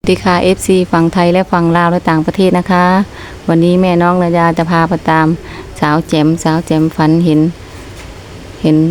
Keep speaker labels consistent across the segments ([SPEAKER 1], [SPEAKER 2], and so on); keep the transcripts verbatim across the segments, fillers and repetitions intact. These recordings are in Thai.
[SPEAKER 1] สวัสดีค่ะ เอฟ ซี ฝั่งไทยและฝั่งลาวและต่างประเทศนะคะ วันนี้แม่น้องนายาจะพาไปตามสาวแจ่มสาวแจ่มฝันเห็น เห็น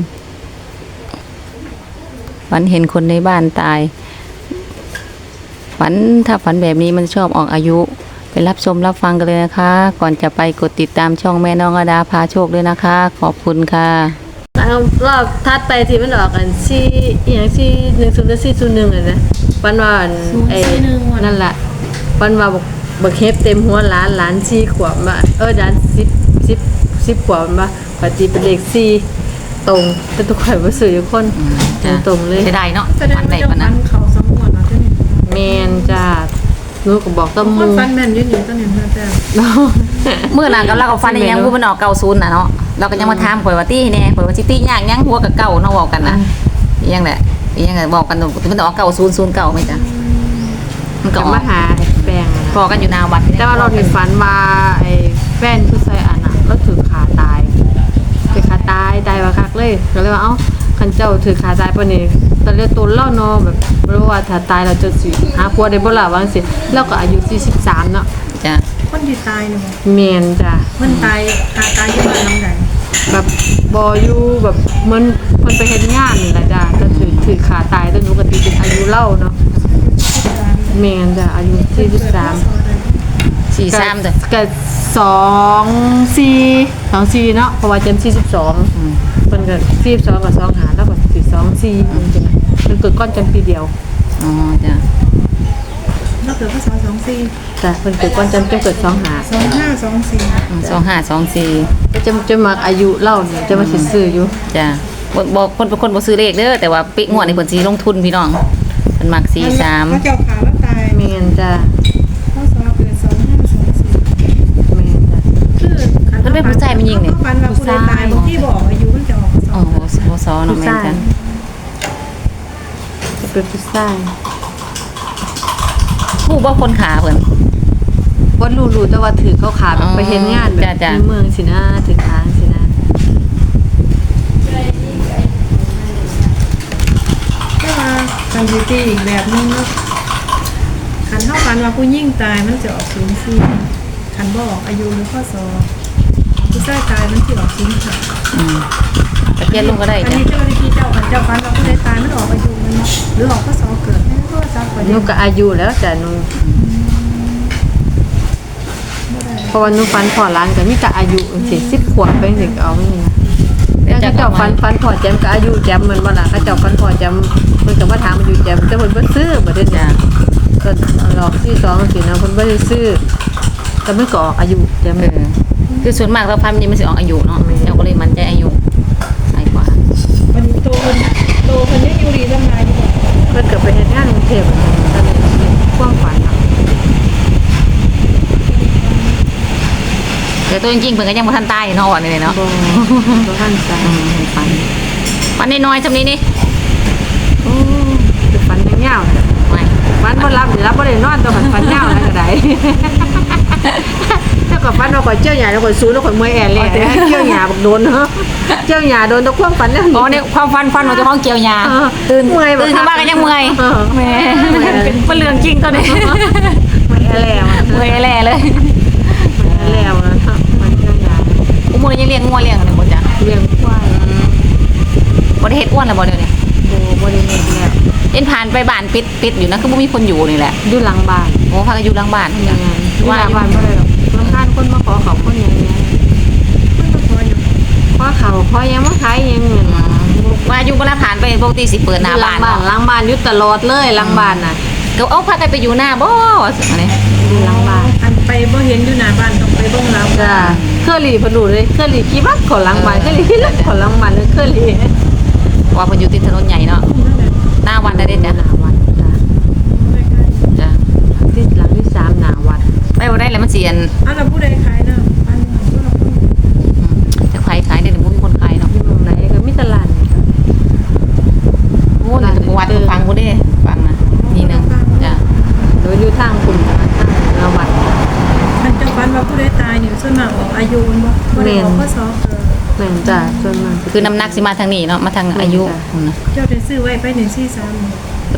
[SPEAKER 1] ฝันเห็นคนในบ้านตายฝันถ้าฝันแบบนี้มันชอบออกอายุไปรับชมรับฟังกันเลยนะคะ ก่อนจะไปกดติดตามช่องแม่น้องอดาพาโชคด้วยนะคะ ขอบคุณค่ะ
[SPEAKER 2] รอบทัดไปที่มันออกกันซี่อย่างซี่หนึ่งศูนย์และซี่ศูนย์หนึ่งอ่ะนะวันว่าไอ้นั่นแหละวันว่าบอกบักเฮฟเต็มหัวล้านล้านซี่ขวบมาเออล้านสิบสิบสิบขวบมาปฏิเป็นเลขซี่ตรงเป็นตัวข่อยว่าสื่อคนตรงเลย
[SPEAKER 1] จะได้เนาะ
[SPEAKER 3] แสดงว่าเจ้าฟันเขาสมวนเนาะเจ้านี่
[SPEAKER 2] แมนจ้าลูกก็บอกต้มมือ
[SPEAKER 3] ฟันแม่นยืนอยู่ต้นนี่เพื่อนแต่
[SPEAKER 1] เมื่อหลังกับเรากับฟันยังพูดมันออกเก่าศูนย์น่ะเนาะเราก็ยังมาถามข่อยว่าตี้แน่ข่อยว่าสิตี้ยากยังหัวกับเก่าเนาะบอกกันนะยังแหละยังไงบอกกันมันออกเก่าศูนย์ศูนย์เก่าไหมจ๊ะมันก็
[SPEAKER 2] มาหาแปลง
[SPEAKER 1] พอกันอยู่นาวัด
[SPEAKER 2] แต่ว่าเราถึงฝันมาไอ้แฟนผู้ชายอันน่ะเราถือขาตายถือขาตายตายว่าคักเลยก็เลยว่าเอ้าคันเจ้าถือขาตายปะนี่ตอนเรียกตัวเล่าเนาะแบบรู้ว่าถ้าตายเราจะสิหาผัวได้บ่ล่ะว่าจังซี่แล้วก็อายุสี่สิบสามเนาะ
[SPEAKER 1] จ้ะ
[SPEAKER 3] คนที่ตายเนาะ
[SPEAKER 2] แม่นจ้ะ
[SPEAKER 3] มันตายขาตายอยู่บ้านหลังใด
[SPEAKER 2] แบบบ่อยู่แบบเหมือนเพิ่นไปเฮ็ดงานนี่ล่ะจ้ะก็ถือถือขาตายแต่หนูก็ติเป็นอายุเล่าเนาะแม่นจ้ะอายุสี่สิบสาม
[SPEAKER 1] สี่สามจ้ะ
[SPEAKER 2] ก็สองสี่สองสี่เนาะเพราะว่าเจมสี่สิบสองเพิ่นก็สี่สิบสองกับสองหาแล้วก็สี่สองสี่จังได๋เพิ่นเกิดก้อนจันปีเดียว
[SPEAKER 1] อ๋อจ้ะ
[SPEAKER 3] เราเกิดพศสองสี่
[SPEAKER 2] จ้ะเพิ่นเกิดก้อนจันเกิดสองหา
[SPEAKER 3] สองห้าสองสี่
[SPEAKER 1] สองห้าสองสี่
[SPEAKER 2] ก็จะจะมักอายุเล่าเนี่ยจะมาสิซื้ออยู่
[SPEAKER 1] จ้ะบ่คนเป็นคนบ่ซื้อเลขเด้อแต่ว่าปิงวดนี่เพิ่นสิลงทุนพี่น้องเพิ่นมักสี่สาม
[SPEAKER 3] พระเจ้าขาแล้วตาย
[SPEAKER 2] แม่นจ้ะ
[SPEAKER 3] พศเกิดสองห้าสองสี่
[SPEAKER 2] แม่นจ้ะ
[SPEAKER 3] คือ
[SPEAKER 1] เพิ่นเป็นผู้ชายมันยิงนี่
[SPEAKER 3] ฟันว่าผู้ใดตายบ่ที่บอกอายุมันจะออก
[SPEAKER 1] อ๋อบ่ซอเนาะแม่นจ้ะ
[SPEAKER 2] จะเป็นผู้ชาย
[SPEAKER 1] ผู้บ่คนขาเพิ่น
[SPEAKER 2] บ่รู้ๆแต่ว่าถือเขาขาไปเฮ็ดงานแบบในเมืองสินะถือขาสินะ
[SPEAKER 3] แต่ว่าการดิตี้อีกแบบนึงเนาะคันเท่ากันว่าผู้ยิ่งตายมันจะออกศูนย์สี่คันบ่ออกอายุหรือข้อสอบผู้ชายตายมันจะออกศูนย์ห้า
[SPEAKER 1] อืมตะเกียนลงก็ได้
[SPEAKER 3] จ้ะอันนี้เจ้าหน้าที่เจ้าคันเจ้าฟันว่าผู้ใดตายมันออกอายุมันหรือออกข้อสอบเกิดให้ข้อสอบ
[SPEAKER 2] หนูก็อายุแล้วจ้ะหนูเพราะว่าหนูฟันพอร้านก็มีแต่อายุสิสิบขวบไปถึงเอาไม่นี่นะแล้วเจ้าฟันฟันพอแจมก็อายุแจมเหมือนบ่ล่ะเขาเจ้าฟันพอแจมเพิ่นก็มาถามอายุแจมแต่เพิ่นบ่ซื้อบ่ได้จ้ะก็หลอกที่สองสินะเพิ่นบ่ได้ซื้อก็มันก็ออกอายุแจมเออ
[SPEAKER 1] คือส่วนมากเราพันนี่มันสิออกอายุเนาะเจ้าก็เลยมันใจอายุหลายกว่า
[SPEAKER 3] วันนี้โตเพิ่นโตเพิ่นยังอยู่ดีทำงานอยู่
[SPEAKER 2] เพิ่นก็ไปเฮ็ดงานกรุงเทพตอนนี้ความฝันเนาะ
[SPEAKER 1] แต่ตัวจริงๆเพิ่นก็ยังบ่ทันตายเนาะว่านี่เนาะ
[SPEAKER 2] บ่บ่ทันตาย
[SPEAKER 1] ฝันฝันน้อยๆซำนี้นี่
[SPEAKER 2] โอ้คือฝันยาวๆไม่ฝันบ่หลับสิหลับบ่ได้นอนตัวฝันฝันยาวนั่นก็ได้ถ้าก็ฝันว่าข่อยเจ้าหญ้าแล้วข่อยสูแล้วข่อยเมื่อยแอแลเจ้าหญ้าบักโดนเนาะเจ้าหญ้าโดนตะความฝันแล้ว
[SPEAKER 1] อ๋อเนี่ยความฝันฝันว่าเจ้าของเกี่ยวหญ้าตื่นเมื่อยตื่นขึ้นมาก็ยังเมื่อยแหมเป็นเรื่องจริงตัวนี้
[SPEAKER 2] เมื่อยแอแล
[SPEAKER 1] เมื่อยแลเลย
[SPEAKER 2] เมื่อยแอแลมันเจ้าหญ้า
[SPEAKER 1] อุโมงค์ยังเลี้ยงงัวเลี้ยงอะไรบ่จ้ะ
[SPEAKER 2] เลี้ยงควาย
[SPEAKER 1] บ่ได้เฮ็ดอ้วนแล้วบ่เดี๋ยวนี้
[SPEAKER 2] บ่บ่ได้เฮ็ดแล้ว
[SPEAKER 1] เอ็นผ่านไปบ้านปิดปิดอยู่นะคือบ่มีคนอยู่นี่แหละ
[SPEAKER 2] อยู่หลังบ้าน
[SPEAKER 1] โอ้พากันอยู่หลังบ้าน
[SPEAKER 2] จังไงว่าบ้านบ่ได้หรอกบางท่านคนมาขอเขาคนอย่างเงี้ย
[SPEAKER 3] คนมาขออยู่
[SPEAKER 2] ขอเขาขอยังมาขายยังเงิน
[SPEAKER 1] ว่าอยู่บ่ละผ่านไปปกติสิเปิดหน้าบ้าน
[SPEAKER 2] หลังบ้านอยู่ตลอดเลยหลังบ้านน่ะ
[SPEAKER 1] ก็เอาพากันไปอยู่หน้าบ่ว่าซั่นนี่
[SPEAKER 2] อยู่หลังบ้าน
[SPEAKER 3] อันไปบ่เห็นอยู่หน้าบ้านต้องไปเบิ่งหลัง
[SPEAKER 2] จ้ะเคอรี่เพิ่นรู้เลยเคอรี่ขี่บักขอหลังบ้านเคอรี่ขี่รถขอหลังบ้านเลยเคอรี่
[SPEAKER 1] ว่าเพิ่นอยู่ติดถนนใหญ่เนาะหน้าวัดได้เด้จ้ะหน้าวัดจ้ะจ้ะ
[SPEAKER 2] ที่หลังที่สามหน้าวัด
[SPEAKER 1] ไปบ่ได้แล้วมันสิอัน
[SPEAKER 3] อ้าวแล้วผู้ใดขายเนาะอันนี้บ่ล่ะ
[SPEAKER 1] จะขายขายได้บ่มีคนขายเนาะ
[SPEAKER 2] อยู่ตรงไหนก็มีตลาดนี่ครับ
[SPEAKER 1] โอ้นี่วัดฟังบ่ได้ฟังนะนี่นึงจ้ะ
[SPEAKER 2] โดยอยู่ทางคุณทางหน้าวัด
[SPEAKER 3] อันเจ้าฟันว่าผู้ใดตายนี่ส่วนมากออกอายุมันบ่บ่ได้ออกข้อสอบเกิด
[SPEAKER 2] แม่นจ้ะส่วนมาก
[SPEAKER 1] คือน้ำหนักสิมาทางนี้เนาะมาทางอายุ
[SPEAKER 3] เจ้าได้ซื้อไว้ไปหนึ่งสี่สาม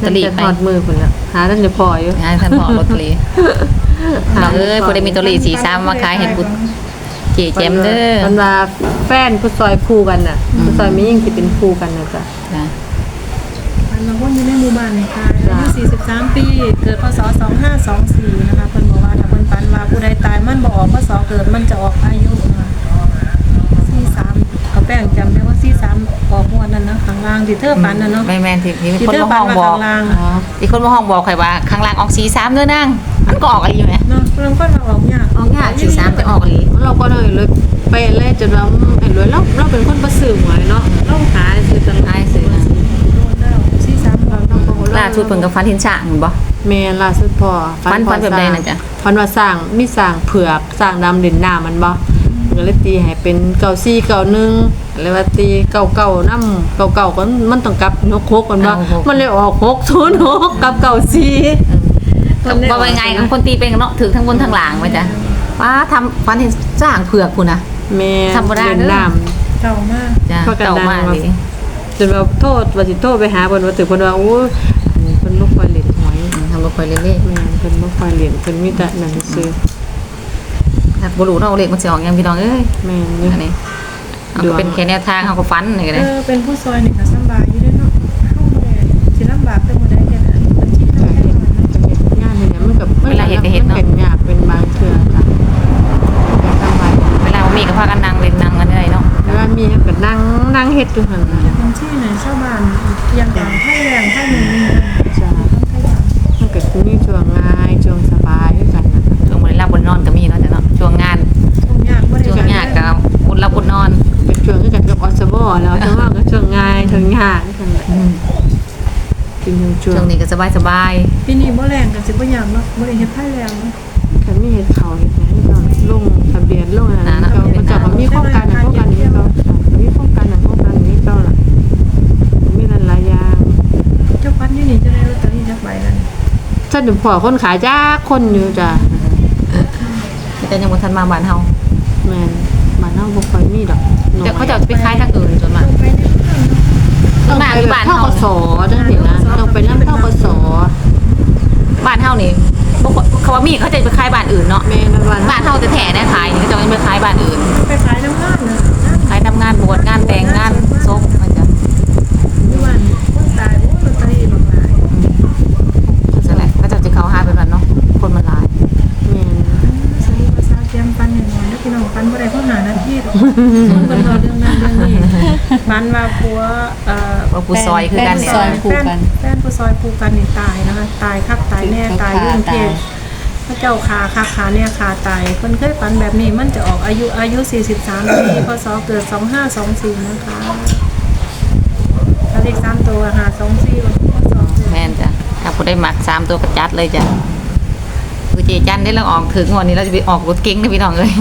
[SPEAKER 1] ตเตอรี่
[SPEAKER 2] จะ
[SPEAKER 1] ไป
[SPEAKER 2] ทอดมือพุ่นละหาท่านจะพออยู่
[SPEAKER 1] งานท่านบอกลอตเตอรี่น้องเอ้ยผู้ใดมีลอตเตอรี่สี่สามมาขายเห็นบุญเจ๊แจมเด้อ
[SPEAKER 2] มันว่าแฟนผู้ซอยคู่กันน่ะผู้ซอยมียิ่งสิเป็นคู่กันน่ะจ้ะ
[SPEAKER 1] นะ
[SPEAKER 3] ฝันว่าวนอยู่ในหมู่บ้านนี่ค่ะอายุสี่สิบสามปี เกิดพศสองห้าสองสี่นะคะเพิ่นบอกว่าถ้าเพิ่นฝันว่าผู้ใดตายมันบ่ออกพศเกิดมันจะออกอายุนะคะสี่สามเขาแป้งจำได้ว่าสี่สามออกงวดนั้นนะข้างล่างที่เธอฝันน่ะเนาะ
[SPEAKER 1] ไม่แม่นที่ที่
[SPEAKER 3] ที่
[SPEAKER 1] คน
[SPEAKER 3] เธอ
[SPEAKER 1] มา
[SPEAKER 3] ฝั
[SPEAKER 1] ห้
[SPEAKER 3] น
[SPEAKER 1] อง
[SPEAKER 3] ว่า
[SPEAKER 1] บอก
[SPEAKER 3] ข้างล่าง
[SPEAKER 1] อ๋อที่คนมาห้องบอกใครว่าข้างล่างออกสี่สามเด้อนางมันก็ออกอะไรอยู่ไหม
[SPEAKER 3] เนาะเริ่มต้นมาออกยาก
[SPEAKER 1] ออกยากสี่สามจะออกอะไร
[SPEAKER 2] เราก็เลยเลยไปแล่จนว่าเห็นเลยเราเราเป็นคนประสื่อหวยเนาะเราหาซื้อตลา
[SPEAKER 1] ได้
[SPEAKER 2] ด
[SPEAKER 1] ซื้อนะ
[SPEAKER 3] โดนแล้วสี่สามออก
[SPEAKER 1] ล่าสุดเพิ่นกับฟันทินฉะเห็นบ่
[SPEAKER 2] แม่ล่าสุดพอ
[SPEAKER 1] ฟันฟันแบบใดน่ะจ๊ะ
[SPEAKER 2] ฟันว่าสร้างมีสร้างเผือกสร้างดำเด่นหน้ามันบ่มันก็เลยตีให้เป็นเก้าสี่เก้าหนึ่งเลยว่าตีเก้าเก้านำเก้าเก้าก็มันต้องกลับนกหกกันบ่มันเลยออกหกศูนย์หกกับเก้าสี่
[SPEAKER 1] ก็บ่ว่าไงคนตีเป็นเนาะถือทั้งบนทั้งหลังไว้จ้ะป้าทำฟันทินสร้างเผือกพุ่นน่ะ
[SPEAKER 2] แม่
[SPEAKER 1] ธรรมดาเด้อ
[SPEAKER 2] เด่นหน้า
[SPEAKER 3] เก่ามาก
[SPEAKER 1] จ้ะ
[SPEAKER 2] เพราะกัน
[SPEAKER 1] เก่า
[SPEAKER 2] ดัง
[SPEAKER 1] มาก
[SPEAKER 2] ว่า
[SPEAKER 1] เลย
[SPEAKER 2] จนว่าโทษว่าสิโทษไปหาเพิ่นว่าถึงเพิ่นว่าโอ้ยอันนี้เพิ่นบ่ค่อยเล่นหวย
[SPEAKER 1] ทำบ่ค่อยเล่น
[SPEAKER 2] แม่นเพิ่นบ่ค่อยเล่นเพิ่นมีแต่นั่นซื้อ
[SPEAKER 1] ๆถ้าบ่รู้เนาะเลขมันสิออกยังพี่น้องเอ้ย
[SPEAKER 2] แม่นนี่
[SPEAKER 1] อันนี้เอาก็เป็นแค่แนวทางเฮาก็ฟันนี่ก็
[SPEAKER 3] เอ
[SPEAKER 1] ได้
[SPEAKER 3] อเป็นผู้ซอยนี่ก็สำบายอยู่เด้อเนาะเฮาบ่ได้สิลำบากแต่บ่ได้แค่นั้นบัญชีเฮาแค่น้อยเนาะ
[SPEAKER 2] เฮ็ดงานนี่เนี่ยมันก็มันเป็นยากเป็นบางเทื่อจ้ะทำไม
[SPEAKER 1] เวลาบ่มีก็พากันนั่งเล่นนั่งกันได้เนาะ
[SPEAKER 2] เวลามีก็นั่งนั่งเฮ็ดอยู่หั่นน่ะ
[SPEAKER 3] บัญชีไหนชาวบ้านอย่างต่างไทยแรงไทยหนึ่งนี่
[SPEAKER 2] จ้ะมันก็มีช่วงง่ายช่วงสบายคือกันน่ะ
[SPEAKER 1] ช่วงบ่ได้รับบนนอนก็มีเนาะจ้ะเนาะช่วงงาน
[SPEAKER 3] ช่วงยากบ่ได้
[SPEAKER 1] ช่วงยากก็อดรับบนนอน
[SPEAKER 2] เป็นช่วงคือกันกับอสบแล้วแต่ว่าก็ช่วงง่ายช่วงยากคือกันแหละ
[SPEAKER 1] อืม
[SPEAKER 2] เป็นช่วง
[SPEAKER 1] ช่วงนี้ก็สบาย
[SPEAKER 3] ปีนี้บ่แรงกันสิบ่ยากเนาะบ่ได้เฮ็ดไทยแรงเนาะ
[SPEAKER 2] แต่มีเฮ็ดเขาเฮ็ดหยังก็ลงทะเบียนลงอันนั้นก็มันก็มีโครงการนั้นโครงการนี้ก็มีโครงการนั้นโครงการนี้ก็ล่ะมีหลายๆอย่าง
[SPEAKER 3] เจ้าพันอยู่นี่จะได้ลอตเตอรี่จักใบนั้น
[SPEAKER 2] ฉันถึงพอคนขายจ้าคนอยู่จ้ะ
[SPEAKER 1] ๆแต่ยังบ่ทันมาบ้านเฮา
[SPEAKER 2] แม่นบ้านเฮาบ่ค่อยมีดอก
[SPEAKER 1] แต่เขาจะเอาไปขายทางอื่นจนมา
[SPEAKER 3] ลงไปในเมืองเนาะ
[SPEAKER 1] ส่วนมากอยู่บ้าน
[SPEAKER 2] เฮา
[SPEAKER 1] เฮา
[SPEAKER 2] ก็สอจังซี่นะต้องไปนำเฮาก็สอ
[SPEAKER 1] บ้านเฮานี่บ่ค่อยเขาว่ามีเขาจะไปขายบ้านอื่นเนาะ
[SPEAKER 2] แม่นบ้าน
[SPEAKER 1] บ้านเฮาแต่แท้ๆนะขายนี่เขาจะไม่ไปขายบ้านอื่น
[SPEAKER 3] ไปขายน้ำงานน่ะนะ
[SPEAKER 1] ขายทำงานบวชงานแต่งงานศพมันจะ
[SPEAKER 3] อยู่บ้านคนตายโอ้ลอตเตอรี่หลากหลาย
[SPEAKER 1] นั่นแหละก็จะจะเขาหาไปบ้านเนาะคนมันหลาย
[SPEAKER 2] แม่น
[SPEAKER 3] สรุปว่าซาเตรียมปันแน่นอนแล้วพี่น้องปันบ่ได้เพราะหาหน้าที่หรอกคนเพิ่นเอาเรื่องนั้นเรื่องนี้ปันว่าผัวเอ่อ
[SPEAKER 1] ว่าผู้ซอยคือกันเนี่ย
[SPEAKER 3] แฟแฟนแฟนผู้ซอยผูกกันนี่ตายนะคะตายคักตายแน่ตายยุ่งเทพพระเจ้าคาคาขาเนี่ยคาตายเพิ่นเคยฝันแบบนี้มันจะออกอายุอายุสี่สิบสามปีพศเกิดสองห้าสองสี่นะคะถ้าเลขสามตัวหาสองสี่วันพศเกิด
[SPEAKER 1] แม่นจ้ะถ้าผู้ได้หมักสามตัวก็จัดเลยจ้ะคือเจจันได้เราออกถึงวันนี้เราจะไปออกรถเก๋งนะพี่น้องเลย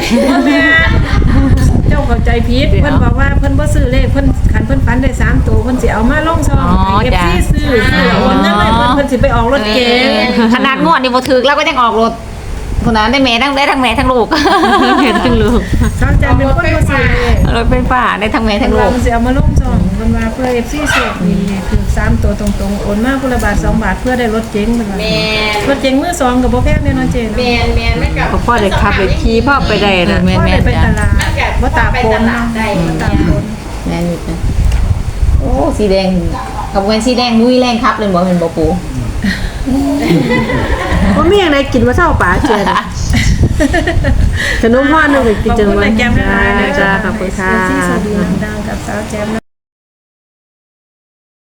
[SPEAKER 3] เจ้าเข้าใจผิดเพิ่นบอกว่าเพิ่นบ่ซื้อเลขเพิ่นคันเพิ่นฝันได้สามตัวเพิ่นสิเอามาลงซอง
[SPEAKER 1] อ๋อ
[SPEAKER 3] ให้
[SPEAKER 1] จ้ะ
[SPEAKER 3] เอฟซีซื้อซื้อโอนเงินให้เพิ่นเพิ่นสิไปออกรถเก๋ง
[SPEAKER 1] ขนาดงวดนี่บ่ถึกเราก็ยังออกรถคนนั้นได้แม่ทั้งได้ทั้งแม่ทั้งลูก
[SPEAKER 2] เห็นจังลูก
[SPEAKER 3] สาวจันเป็นคนบ่ซื้อเลข
[SPEAKER 1] รถไฟฟ้าได้ทั้งแม่
[SPEAKER 3] เพิ่
[SPEAKER 1] ทั้
[SPEAKER 3] น
[SPEAKER 1] งลู
[SPEAKER 3] ว่าก มันสิเอามาลงซองเพิ่นว่าเพื่อ เอฟ ซี โชคดีคือสามตัวตรงๆโอนมาคนละบาทสองบาทเพื่อได้รถเก๋งเพิ่นว่าแม่รถเก๋งมือสองก็บ่แพงแน่นอนเจเนาะ
[SPEAKER 2] ก็พอได้ขับได้ขี่พ่อไปได้น่ะ
[SPEAKER 1] แม่
[SPEAKER 3] พอ
[SPEAKER 1] แม่
[SPEAKER 3] ได้ไป
[SPEAKER 1] จ้ะ
[SPEAKER 3] ตลาดบ่ตากฝนเนาะบ่ตากฝน
[SPEAKER 1] แม่นอยู่จ้ะโอ้สีแดงกับเวนสีแดงนุ้ยแรงครับเลยบอกเป็นบ่ปู
[SPEAKER 2] บ่มีหยังได้กินว่าเช้าป่าเชื่อนะขนมพ่อนึงก็กินจัง
[SPEAKER 3] ขอบคุณ
[SPEAKER 2] ว่า
[SPEAKER 3] แม่แก้มด้วยนะ
[SPEAKER 2] จ้าขอบคุณค่ะ
[SPEAKER 3] เอฟซีสวัสดีดังๆกับสาวแจมนะ